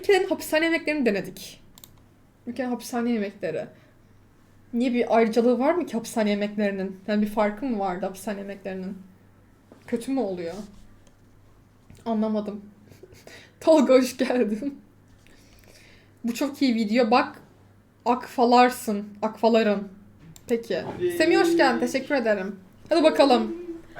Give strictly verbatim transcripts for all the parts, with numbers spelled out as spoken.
ülkelerin hapishane yemeklerini denedik. Ülkenin hapishane yemekleri. Niye bir ayrıcalığı var mı ki hapishane yemeklerinin? Yani bir farkı mı vardı hapishane yemeklerinin? Kötü mü oluyor? Anlamadım. Tolga hoş geldin. Bu çok iyi video. Bak akfalarsın. Akfalarım. Peki. Semih hoş geldin. Teşekkür ederim. Hadi bakalım.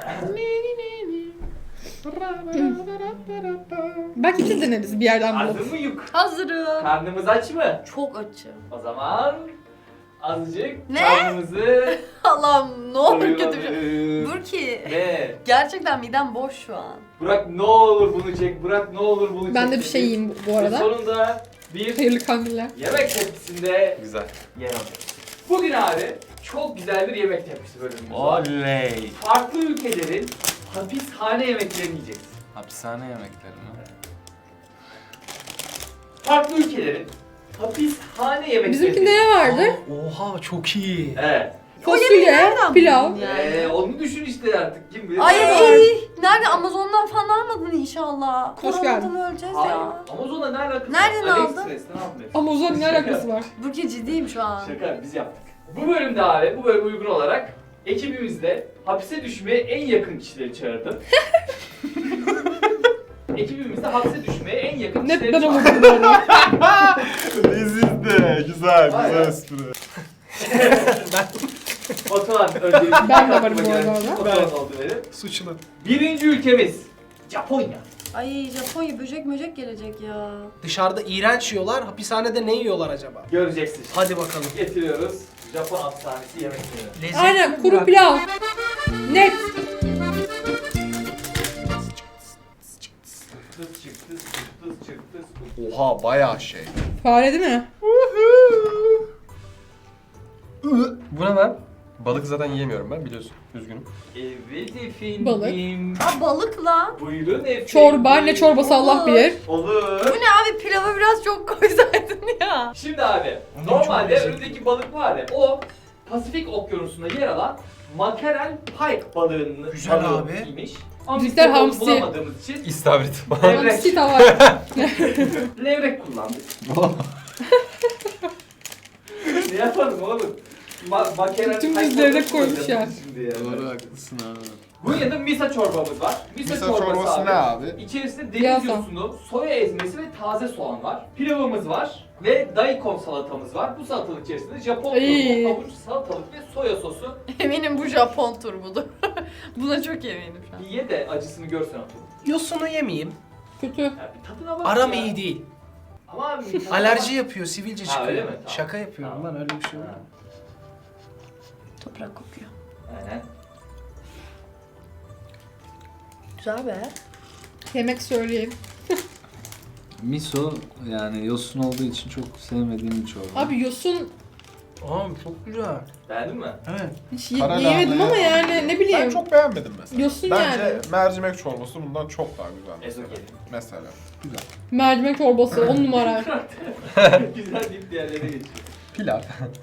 Belki biz deneriz bir yerden Hazır bulup. mıyız? Hazırım. Karnımız aç mı? Çok açım. O zaman azıcık Ne? karnımızı Allah'ım ne olur kötü bir şey. doyuralım. Burki. Ne? Gerçekten midem boş şu an. Burak ne olur bunu çek, Burak ne olur bunu çek. Ben de bir şey yiyeyim bu Ve arada. sonunda bir Hayırlı kandiller. yemek tepsisinde Güzel. yer alıyoruz. Bugün abi çok güzel bir yemek tepsisi bölümümüz var. Oley. Farklı ülkelerin hapishane yemeklerini yiyeceğiz. Hapishane yemekleri mi? Farklı ülkelerin hapishane yemeklerini. Bizimkinde ne vardı? Oha çok iyi. Evet. Fasulye, nereden pilav. buldun yani? Ee, onu düşün işte artık kim bilir. Ay ne var. nerede Amazon'dan falan almadın inşallah. Hoş Koronadan geldin. öleceğiz Hayır. ya. Amazon'la ne alakası Nereden var? aldın? AliExpress'ten aldım hepsini. Amazon ne alakası var? Burki ciddiyim şu an. Şaka biz yaptık. Bu bölümde abi, bu bölüm uygun olarak ekibimizde hapse düşmeye en yakın kişileri çağırdım. Ekibimizde hapse düşmeye en yakın kişileri Net ben çağırdım. olurdum bu arada. Leziz de. Güzel. Aynen. Güzel espri. Batuhan öncelikle Ben de varım bu arada. Batuhan oldu benim. Suçlu. Birinci ülkemiz Japonya. Ay Japonya böcek möcek gelecek ya. Dışarıda iğrenç yiyorlar, hapishanede ne yiyorlar acaba? Göreceksin. Hadi bakalım. Getiriyoruz Japon hapishanesi yemekleri. Lezzetli Aynen mi kuru Burak? pilav. Net. Tıs çıktı, tıs çıktı, tıs. Oha bayağı şey. Fare değil mi? Bu ne lan? Balık zaten yiyemiyorum ben biliyorsun. Üzgünüm. Evet efendim. Balık. Aa balık lan. Buyurun efendim. Çorba. Ne çorbası Allah Olur. bilir. Olur. Bu ne abi pilava biraz çok koysaydın ya. Şimdi abi, Onun normalde çok lezzetli. önündeki balık var ya, o Pasifik Okyanusu'nda yer alan makarel pike balığının Güzel balığı abi. imiş. Ama biz Bizler de onu hamsi. bulamadığımız için İstavrit. levrek, Hamsi tava. levrek kullandık. Ne yapalım oğlum? Ma makarel Tüm pike biz levrek balığı koymuş kullanacağız ya. Şimdi yani. Doğru haklısın abi. Bunun yanında misa çorbamız var. Misa, Misa çorbası, çorbası ne abi? İçerisinde Biraz deniz yosunu, soya ezmesi ve taze soğan var. Pilavımız var ve daikon salatamız var. Bu salatalık içerisinde Japon Ay. turbu, havuç, salatalık ve soya sosu. Eminim bu Japon turbudur. Buna çok eminim şu an. Bir ye de acısını görsen atın. Yosunu yemeyeyim. Kötü. Ya bir tadına bak Aram ya. iyi değil. Ama abi bir tadına Alerji bak. yapıyor, sivilce Ha, çıkıyor. öyle mi? Tamam. Şaka yapıyorum Tamam. lan, öyle bir şey yok. Ha, Toprak kokuyor. aynen. Güzel be. Yemek söyleyeyim. Miso yani yosun olduğu için çok sevmediğim bir çorba. Abi yosun Aa çok güzel. Beğendin mi? Evet. hiç ye- Kara yemedim lahana ama ya. yani ne bileyim. Ben çok beğenmedim mesela. Yosun Bence yani. mercimek çorbası bundan çok daha güzel mesela. Ezogelin. Mesela. Güzel. Mercimek çorbası on numara. Güzel deyip diğerlerine geçiyor. Pilav.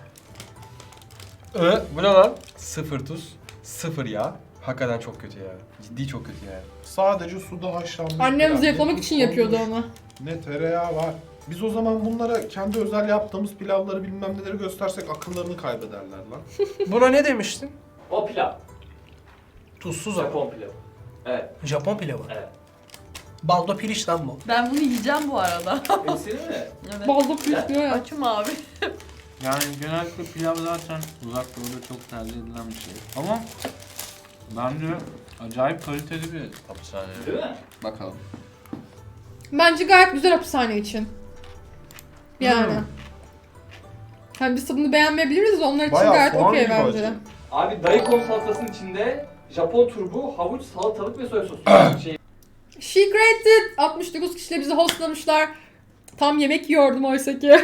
Ö, bu ne lan? Sıfır tuz, sıfır yağ. Hakikaten çok kötü ya. Ciddi çok kötü yani. Sadece suda haşlanmış. Annem pilav. zayıflamak Ne için tuz yapıyordu konmuş, onu. Ne tereyağı var. Biz o zaman bunlara kendi özel yaptığımız pilavları bilmem neleri göstersek akıllarını kaybederler lan. Buna ne demiştin? O pilav. Tuzsuz ama. Japon pilavı. Evet, Japon pilavı. evet. Baldo piliç lan bu. Ben bunu yiyeceğim bu arada. Hepsini mi? Evet. Baldo pilav diyor ya. Açım abi. Yani genellikle pilav zaten uzak doğuda çok tercih edilen bir şey. Ama bence acayip kaliteli bir hapishane. Değil mi? Bakalım. Bence gayet güzel hapishane için. Yani. Hmm. Hani biz tadını beğenmeyebiliriz de onlar için Bayağı gayet soğan okey gibi bence. acı. Abi daikon salatasının içinde Japon turbu, havuç, salatalık ve soya sosu. şey. She created altmış dokuz kişiyle bizi hostlamışlar. Tam yemek yiyordum oysa ki.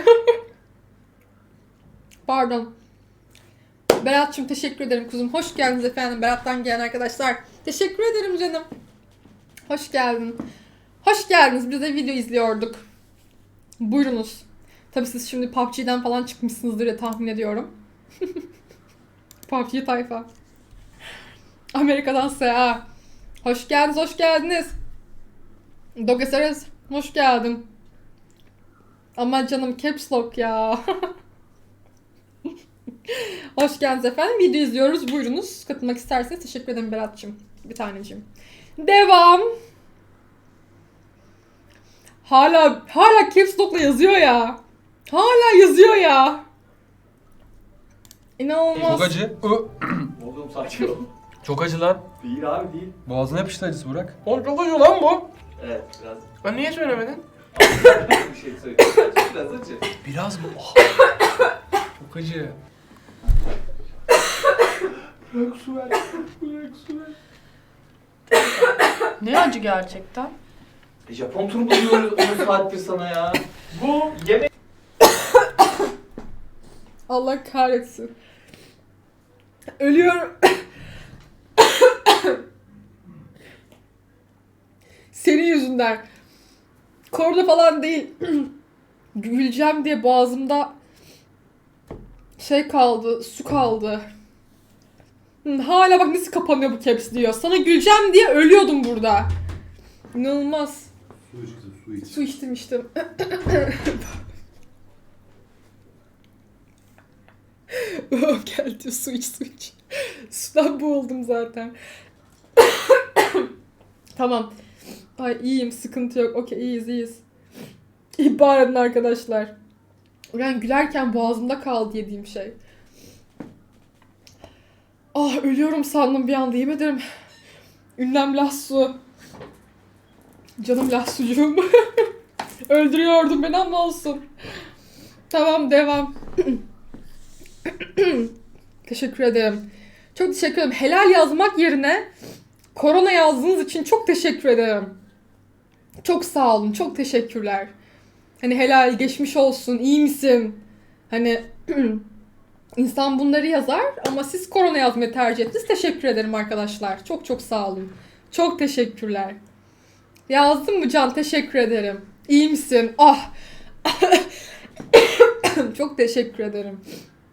Pardon. Berat'cığım teşekkür ederim kuzum. Hoş geldiniz efendim. Berat'tan gelen arkadaşlar. Teşekkür ederim canım. Hoş geldin. Hoş geldiniz. Biz de video izliyorduk. Buyurunuz. Tabii siz şimdi P U B G'den falan çıkmışsınızdır diye tahmin ediyorum. P U B G tayfa. Amerika'dan Seha. Hoş geldiniz, hoş geldiniz. Dogesares, hoş geldin. Ama canım caps lock ya. Hoş geldiniz efendim. Video izliyoruz. Buyurunuz. Katılmak isterseniz teşekkür ederim Berat'cığım. Bir taneciğim. Devam. Hala hala caps lock'la yazıyor ya. Hala yazıyor ya. İnanılmaz. Çok acı. Oğlum sakin ol. Çok acı lan. Değil abi değil. Boğazına yapıştı acısı Burak. Oğlum çok acı lan bu. Evet biraz. Ben niye söylemedin? bir şey söyleyeyim. Biraz acı. Biraz mı? Oh. Çok acı. Bırak su ver. Bırak su ver. Ne acı gerçekten. E, Japon turu buluyoruz on saattir sana ya. Bu yemek... Allah kahretsin. Ölüyorum. Senin yüzünden. Korna falan değil. Güleceğim diye boğazımda şey kaldı, su kaldı. Hı, hala bak nasıl kapanıyor bu caps diyor. Sana güleceğim diye ölüyordum burada. İnanılmaz. Su içtim, su içtim. Su içtim içtim. Oh, geldi su iç su iç. Sudan boğuldum zaten. Tamam. Ay iyiyim, sıkıntı yok. Okey, iyiyiz iyiyiz. İhbar edin arkadaşlar. Ben gülerken boğazımda kaldı yediğim şey. Ah ölüyorum sandım bir anda, yemin ederim. Ünlem Lahsu. Canım Lahsucuğum. Öldürüyordun beni ama olsun. Tamam devam. Teşekkür ederim. Çok teşekkür ederim. Helal yazmak yerine korona yazdığınız için çok teşekkür ederim. Çok sağ olun. Çok teşekkürler. Hani helal, geçmiş olsun, iyi misin? Hani insan bunları yazar ama siz korona yazmayı tercih ettiniz. Teşekkür ederim arkadaşlar. Çok çok sağ olun. Çok teşekkürler. Yazdın mı Can? Teşekkür ederim. İyi misin? Ah. Çok teşekkür ederim.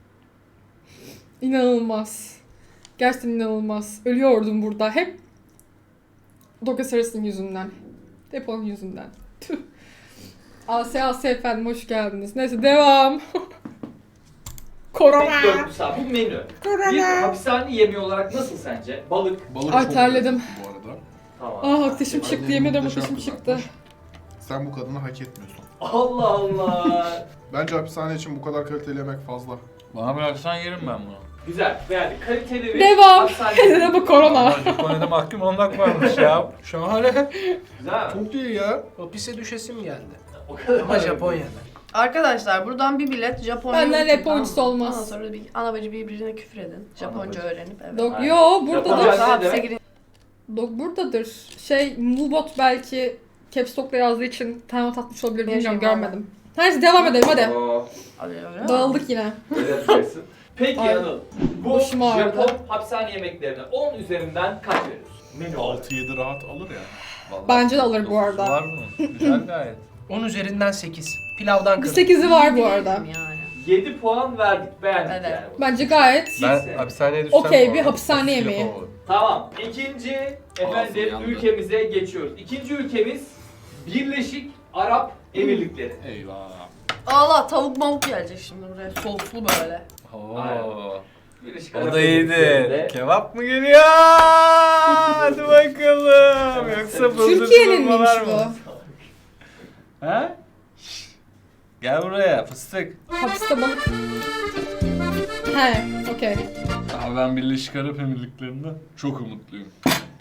İnanılmaz. Gerçekten inanılmaz. Ölüyordum burada. Hep Doka Sarısı'nın yüzünden. Hep onun yüzünden. Tüh. Asya Asya efendim hoş geldiniz. Neyse devam. Korona. Dörtlü saat. Bu menü. Korona. Bir hapishane yemeği olarak nasıl sence? Balık. Balık Ay, çok terledim. lezzetli bu arada. Tamam. Ah ateşim çıktı. Annem Yemin ederim muhteşem ateşim çıktı. kızartmış. Sen bu kadını hak etmiyorsun. Allah Allah. Bence hapishane için bu kadar kaliteli yemek fazla. Bana bıraksan yerim ben bunu. Güzel. Beğendik. Kaliteli bir Devam. hapishane yemeği. Neden bu korona? Ama Japonya'da mahkum olmak varmış ya. Şahane. Güzel mi? Çok iyi ya. Hapise düşesim geldi. O kadar. Ama Japonya'da. Arkadaşlar buradan bir bilet Japonya. Benden YouTube, rap oyuncusu tamam mı? olmaz. Ondan sonra bir ana bacı birbirine küfür edin. Japonca bacı. öğrenip evet. Dok, Aynen. yo buradadır. Japonca- Sonra ne hapse demek? girin. Dok buradadır. Şey Mubot belki Caps Lock'la yazdığı için timeout atmış olabilir. Bilmiyorum Yaşayın görmedim. Neyse devam edelim hadi. Oo, Hadi öyle. Dağıldık yine. öyle yapacaksın. Peki Ay, Anıl. Bu başım ağrıdı. Japon hapishane yemeklerine on üzerinden kaç veriyorsun? Menü olarak. altı yedi rahat alır ya. Vallahi Bence de alır bu dokuzu arada. Var bunun. Güzel gayet. on üzerinden sekiz. Pilavdan Bir kırdım. sekizi var bu Diyelim arada. Yani. yedi puan verdik. Beğendik Evet. yani. Bence gayet Kimse. Ben hapishaneye düşsem Okey, bu bir arada hapishane otuz kilo yemeği. falan olur. Tamam. İkinci efendim yandı. ülkemize geçiyoruz. İkinci ülkemiz Birleşik Arap Emirlikleri. Eyvah. Allah tavuk mavuk gelecek şimdi buraya. Soslu böyle. Aynen. Oo. Birleşik O Arap da iyiydi. Emirlikleri'nde Kebap mı geliyor? Hadi bakalım. Yoksa bıldır Türkiye'ninmiş var bu. mı? He? Gel buraya fıstık. Hapiste balık. He, okey. Abi ben Birleşik Arap Emirlikleri'nde çok umutluyum.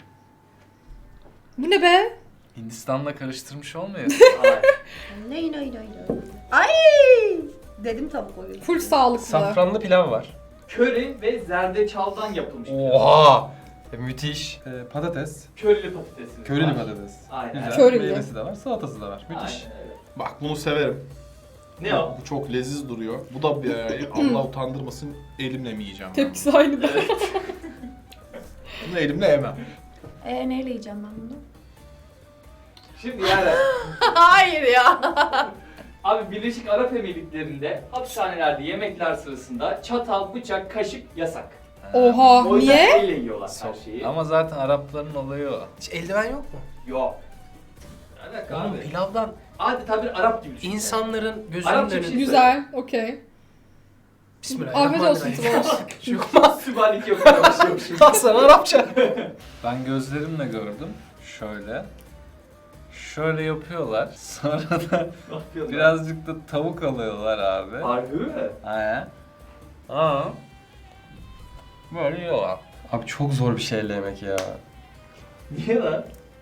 Bu ne be? Hindistan'la karıştırmış olmayasın. Aynen. Ney ney ney ney. Ay! Dedim tavuk oyunu. Full sağlıklı. Safranlı pilav var. Köri ve zerdeçaldan yapılmış. bir pilav. Oha! E, müthiş. E, patates. Körili patatesi. Körili var. patates. Aynen. Güzel. Körili. Meyvesi de var, salatası da var. Müthiş. Aynen öyle. Bak bunu severim. Ne o? Bu çok leziz duruyor. Bu da bir ayı. Allah utandırmasın, elimle mi yiyeceğim ben Tepkisi aynı da. Evet. bunu? Bunu elimle yemem. Eee neyle yiyeceğim ben bunu? Şimdi yani Hayır ya. abi Birleşik Arap Emirlikleri'nde hapishanelerde yemekler sırasında çatal, bıçak, kaşık yasak. Oha, O yüzden niye? elle yiyorlar her şeyi. Ama zaten Arapların olayı o. Hiç eldiven yok mu? Yok. Ne alaka Oğlum abi? pilavdan adeta bir Arap gibi düşünün. İnsanların gözünün Arapça bir önünde. şey- Güzel, okey. Afiyet olsun Bismillahirrahmanirrahim. Tıboş. Sübhaneke yapıyormuşum. Hasan Arapça. Ben gözlerimle gördüm. Şöyle. Şöyle yapıyorlar. Sonra da Ne yapıyorlar? birazcık da tavuk alıyorlar abi. Harbi mi? Aynen. Aa. Böyle yiyorlar. Abi çok zor bir şeyle yemek ya. Niye lan?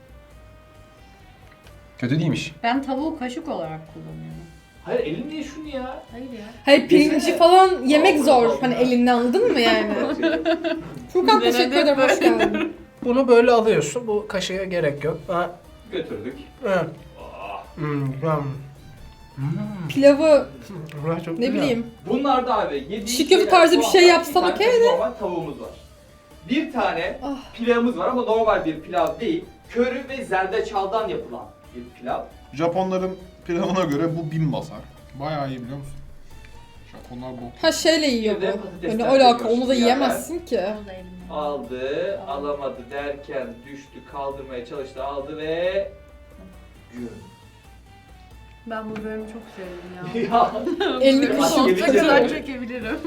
Kötü değilmiş. Ben tavuğu kaşık olarak kullanıyorum. Hayır elin niye şunu ya? Hayır ya. Hayır pirinci Yesene. falan yemek Allah zor. Allah. Hani elinden anladın mı yani? Furkan teşekkür ederim, hoş geldin. Bunu böyle alıyorsun. Bu kaşığa gerek yok. Ha. Götürdük. Evet. Ah. Hmm, güzel. Hmm. Pilavı Bunlar çok ne güzel. bileyim. Bunlar da abi yediğin Çiğ köfte şeyler, tarzı bir soğan şey var, yapsan bir tane okey de. Normal tavuğumuz var. Bir tane Ah. pilavımız var ama normal bir pilav değil. Köri ve zerdeçaldan yapılan bir pilav. Japonların pilavına göre bu bin basar. Bayağı iyi biliyor musun? Japonlar bu. Ha şeyle yiyor Bir de bu. patatesler Hani alaka koyuyorsun onu da yani. yiyemezsin ki. Onu da elimden. Aldı, alamadı derken düştü, kaldırmaya çalıştı, aldı ve... Gün. Ben bu bölümü çok sevdim ya. Ya Elini Başka kuşun bir şey kadar yok. çekebilirim.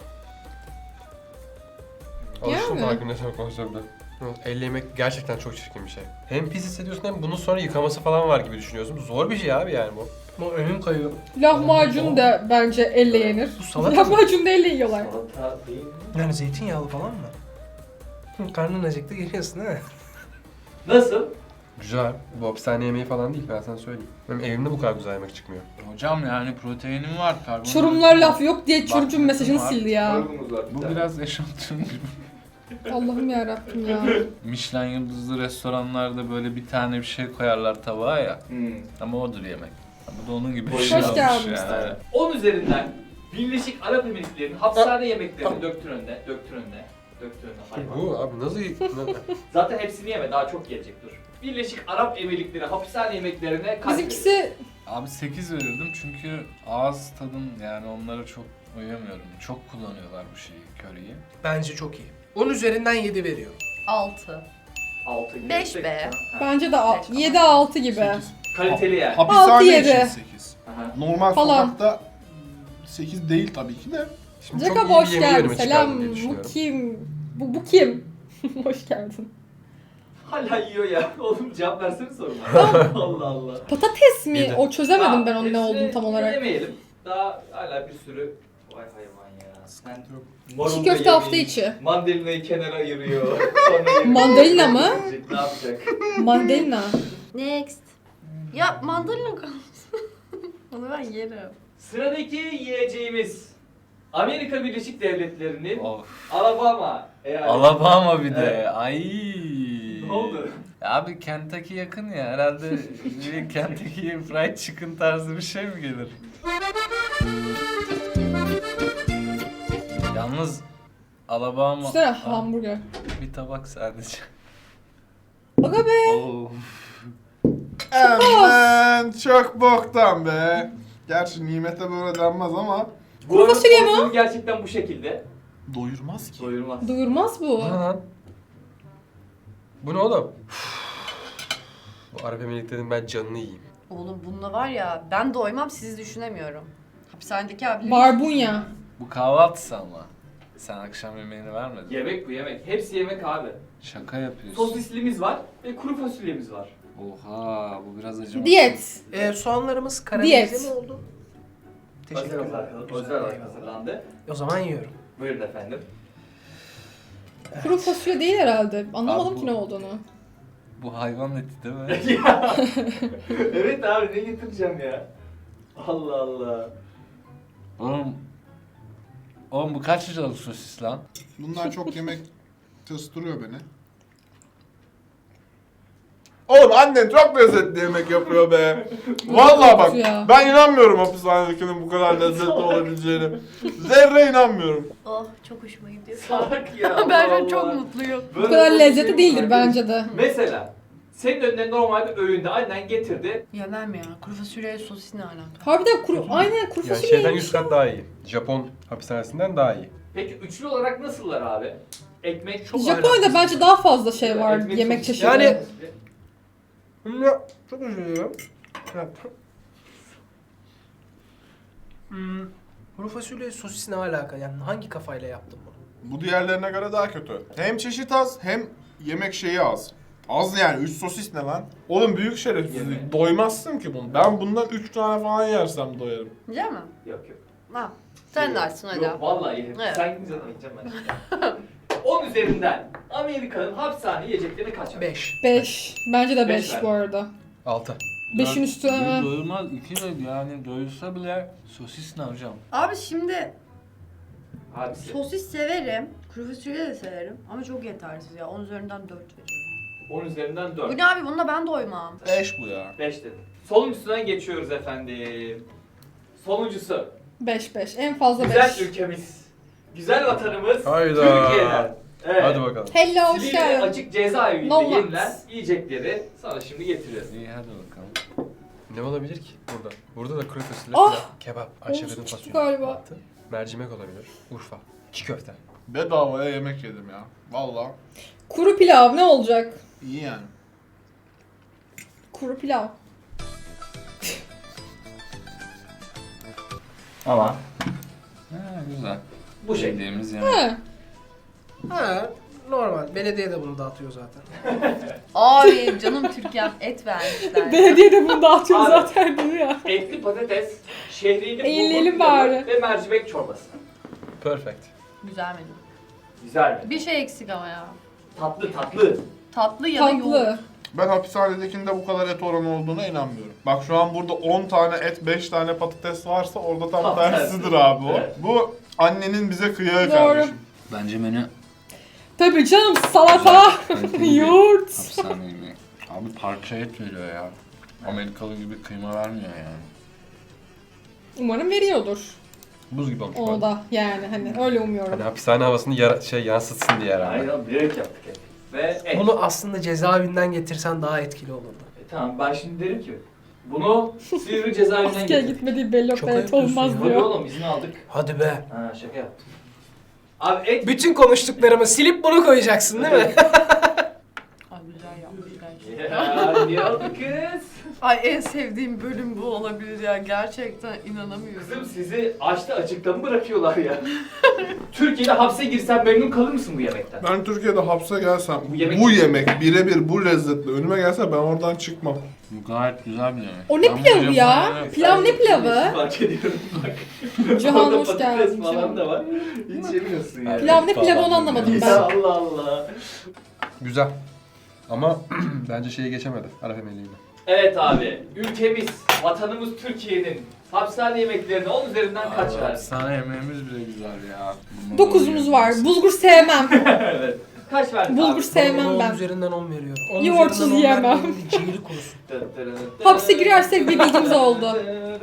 Alıştım Yani. daha güne çok konuşuyordu. Elle yemek gerçekten çok çirkin bir şey. Hem pis hissediyorsun hem bunun sonra yıkaması falan var gibi düşünüyorsun. Zor bir şey abi yani bu. Bu önüm kayıyor. Lahmacun da bence elle yenir. Bu salata mı? Lahmacun da elle yiyorlar. salata değil mi? Yani zeytinyağlı falan mı? Hı, karnın acıktı geliyorsun değil mi? Nasıl? Güzel. Bu hapishane yemeği falan değil, ben sana söyleyeyim. Benim evimde bu kadar güzel yemek çıkmıyor. Hocam yani proteinim var. karbonhidratım Çorumlar var. laf yok diye çocuğun Bakmışım mesajını var. sildi ya. Sorgumuz var. Bu tane. biraz eşantiyon gibi. Allah'ım yarabbim ya. Michelin yıldızlı restoranlarda böyle bir tane bir şey koyarlar tabağa ya. Hmm. Ama odur yemek. Bu da onun gibi bir Hoş şey olmuş geldiniz. yani. on üzerinden Birleşik Arap Emirlikleri'nin hapishane yemeklerini döktün önüne, döktün önüne, döktün önüne hayvan. Bu abi nasıl... Zaten hepsini yeme, daha çok gelecek dur. Birleşik Arap Emirlikleri hapishane yemeklerine kaç verir? Bizimkisi Abi sekiz verirdim çünkü ağız tadım yani onlara çok uyamıyorum. Çok kullanıyorlar bu şeyi, köriyi. Bence çok iyi. on üzerinden yedi veriyor. Altı. altı gibi. Beş be. Ha. bence de Beş falan. yedi altı gibi. sekiz. Kaliteli yani. Hapishane Altı, için yedi. sekiz. Aha. Normal Falan. sokakta sekiz değil tabii ki de. Şimdi çok Jacob iyi bir hoş yemeği geldin. önüme Selam. çıkardım diye Bu düşünüyorum. kim? Bu, bu kim? Hoş geldin. Hala yiyor ya. Oğlum cevap versene soruma. Allah Allah. Patates mi? Yedi. O çözemedim Tamam, ben onun ne hepsini olduğunu tam olarak. Yemeyelim. Daha hala bir sürü... Vay hayvan ya. Sen... marul Çiğ da köfte hafta yemeyin. içi. Mandalinayı kenara ayırıyor. Sonra yemeği- Mandalina mı? Ne yapacak? Mandalina. Next. Ya mandalina kalsın. Onu ben yerim. Sıradaki yiyeceğimiz Amerika Birleşik Devletleri'nin Of. Alabama eyaleti. Alabama bir de. Evet. Ay. Ne oldu? Ya abi Kentucky yakın ya herhalde bir Kentucky Fried Chicken tarzı bir şey mi gelir? Yalnız Alabama Üstüne Aa, hamburger. bir tabak sadece. Aga be. Oo. Aman çok boktan be. Gerçi nimete böyle denmez ama Bu arada fasulye mi o? porsiyonu gerçekten bu şekilde. doyurmaz ki. Doyurmaz. Duyurmaz bu. Bu ne lan? Bu ne oğlum? Bu Arap Emirlikleri'nin ben canını yiyeyim. Oğlum bununla var ya ben doymam sizi düşünemiyorum. Hapishanedeki abilerim. Barbunya. Bu kahvaltısı ama. Sen akşam yemeğini vermedin. Yemek bu yemek. Hepsi yemek abi. Şaka yapıyorsun. Sosislimiz var ve kuru fasulyemiz var. Oha bu biraz acımasız. Diyet. Ee, soğanlarımız karamelize mi oldu? Özel Teşekkürler. olarak, Güzel, özel olarak eyvallah. hazırlandı. O zaman yiyorum. Buyurun efendim. Kuru fasulye değil herhalde. Anlamadım Abi bu- ki ne olduğunu. Bu hayvan eti değil mi? Ya. Evet abi ne getireceğim ya? Allah Allah. Oğlum, oğlum bu kaç liralık sosis lan? Bunlar çok yemek tıstırıyor beni. Oğlum annen çok lezzetli yemek yapıyor be. Vallahi bak Ya. ben inanmıyorum hapishanedekinin bu kadar lezzetli olabileceğine. Zerre inanmıyorum. Oh çok hoşuma gidiyor. Salak ya. ben şu Allah an çok Allah. mutluyum. Bu Böyle kadar bir lezzetli şey değildir var. bence de. Mesela senin önüne normal bir öğünde annen getirdi. Yemem ya. Kuru fasulye sosis ne alaka? Harbiden kuru, aynen kuru Yani fasulye. şeyden yüz kat daha iyi. Japon hapishanesinden daha iyi. Peki üçlü olarak nasıllar abi? Ekmek çok Japonya'da bence daha fazla şey var Ekmek yemek çok- çeşidi. Yani- Ya çok üzülüyorum. Ya, Hmm. Kuru fasulye sosis ne alaka? Yani hangi kafayla yaptın bunu? Bu diğerlerine göre daha kötü. Hem çeşit az hem yemek şeyi az. Az yani. Üç sosis ne lan? Oğlum büyük şerefsizlik. Yemek. Doymazsın ki bunu. Ben bundan üç tane falan yersem doyarım. Yiyecek mi? Yok yok. Ha. Sen de açsın hadi. Yok vallahi yerim. Evet. Sen gidince de yiyeceğim ben. on üzerinden Amerika'nın hapishane yiyeceklerine kaç ver? Beş. beş. Bence de Beş beş ver. bu arada. altı. beşin üstü. Bir doyulmaz, iki de yani doyulsa bile sosis ne hocam? Abi şimdi Abisi. sosis severim. Kuru fasulye de severim. Ama çok yetersiz ya. on üzerinden dört veriyorum. on üzerinden Bu dört. ne abi? Bununla ben doymam. Beş bu ya. beş dedim. Sonuncusundan geçiyoruz efendim. Sonuncusu. beş beş. En fazla Güzel beş. ülkemiz. Güzel vatanımız. Hayda. Türkiye'den. Evet. Hadi bakalım. Hello, hoş Silivri geldin. açık cezaevinde No yenilen wax. yiyecekleri sana şimdi getiriyoruz. İyi hadi bakalım. Ne olabilir ki burada? Burada da kuru fasulye, Ah! pilav, kebap, Ayşe'nin Olsun çıktı fasulye, galiba. mantı, mercimek olabilir, Urfa, çiğ köfte. Bedavaya yemek yedim ya. Vallahi Kuru pilav ne olacak? iyi yani. Kuru pilav. Ama Ha, güzel. bu şekilde. Bildiğimiz yemek. He. Ha, normal. Belediye de bunu dağıtıyor zaten. Ay canım Türkiye'm et vermişler. Belediye de bunu dağıtıyor Abi. zaten diyor ya. Etli patates, şehriyeli Eğlenelim bulgur pilavı bari. ve mercimek çorbası. Perfect. Güzel menü. Güzel mi? Bir şey eksik ama ya. Tatlı tatlı. Tatlı ya da yoğurt. Tatlı. Ben hapishanedekinde bu kadar et oranı olduğuna inanmıyorum. Bak şu an burada on tane et, beş tane patates varsa orada tam Tam tersidir tersi. abi o. Evet. Bu annenin bize kıyağı Doğru. kardeşim. Bence menü Tabii canım salata, kaliteli bir yoğurt. hapishane yemeği. Abi parça et veriyor ya. Amerikalı gibi kıyma vermiyor yani. Umarım veriyordur. Buz gibi olmuş. O bana. da yani hani öyle umuyorum. Hani hapishane havasını yara- şey yansıtsın diye herhalde. Aynen bilerek yaptık hep. Ve et. Bunu aslında cezaevinden getirsen daha etkili olurdu. E, tamam ben şimdi derim ki bunu Silivri cezaevinden Askere getirdik. gitmediği belli Çok yok evet ayıplıyorsun olmaz ya. Tabii diyor. oğlum izin aldık. Hadi be. Ha şaka yaptım. Abi et Bütün konuştuklarımı silip bunu koyacaksın değil mi? Ay güzel yapmış gerçekten. Ya niye oldu kız? Ay en sevdiğim bölüm bu olabilir ya. Gerçekten inanamıyorum. Kızım sizi açta açıkta mı bırakıyorlar ya? Türkiye'de hapse girsen memnun kalır mısın bu yemekten? Ben Türkiye'de hapse gelsem, Bu bu yemek- yemek, birebir bu lezzetle önüme gelse ben oradan çıkmam. Bu gayet güzel bir yemek. O ne Ben bu pilavı ya? Japonya'da- Pilav ne pilavı? Fark ediyorum bak. Cihan Orada hoş patates geldin. falan Cihan. da var. Hiç yemiyorsun yani. Pilav ne pilavı onu anlamadım Ya ben. Allah Allah. Güzel. Ama bence şeyi geçemedi. Arap emeğliğini. Evet abi, ülkemiz, vatanımız Türkiye'nin hapishane yemeklerine on üzerinden kaç Abi, ver? Hapishane yemeğimiz bile güzel ya. Bunları Dokuzumuz var. yiyoruz. Bulgur sevmem. Evet. Kaç verdin Bulgur abi? sevmem on ben. üzerinden on veriyorum. on Yoğurtsuz üzerinden on yiyemem. vermenin bir ciğeri kurusun. Hapse girersek bir bilgimiz oldu.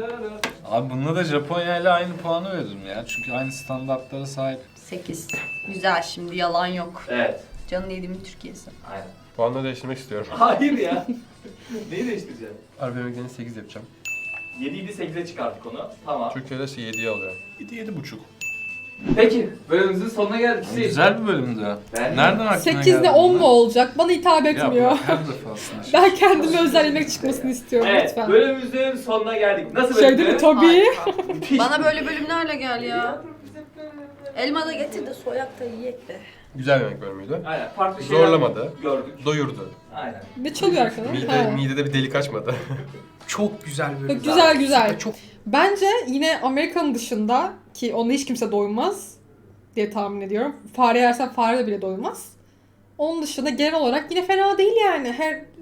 Abi bununla da Japonya ile aynı puanı veririm ya. Çünkü aynı standartlara sahip. sekiz. Güzel şimdi yalan yok. Evet, Canın yediğimin Türkiye'si. aynen. Puanları değiştirmek istiyorum. Hayır ya. Neyi değiştireceksin? Arap emeklerini sekiz yapacağım. yediydi sekize çıkarttık onu. Tamam. Türkiye'de şey yediye alıyor. yedi yedi buçuk. Peki, bölümümüzün sonuna geldik. Hüseyin. Güzel bir bölümdü. Ben- Nereden aklına sekiz geldi ile on bunlar? mu olacak? Bana hitap Ya etmiyor. bırak, her defasında. Ben kendime özel yemek çıkmasını istiyorum Evet, lütfen. bölümümüzün sonuna geldik. Nasıl Şey değil mi? Tabii. Harika. Müthiş. Bana böyle bölümlerle gel ya. Elma da getir de soyak da yiyek be. Güzel bir yemek bölümüydü. Aynen, farklı şeyler Zorlamadı. gördük. Doyurdu. Aynen. Ne çalıyor arkadaş? Mide, Ha. midede bir delik açmadı. Çok güzel bölüm. Güzel güzel. Çok Bence yine Amerika'nın dışında ki ona hiç kimse doymaz diye tahmin ediyorum. Fare yersen fare de bile doymaz. Onun dışında genel olarak yine fena değil yani. Her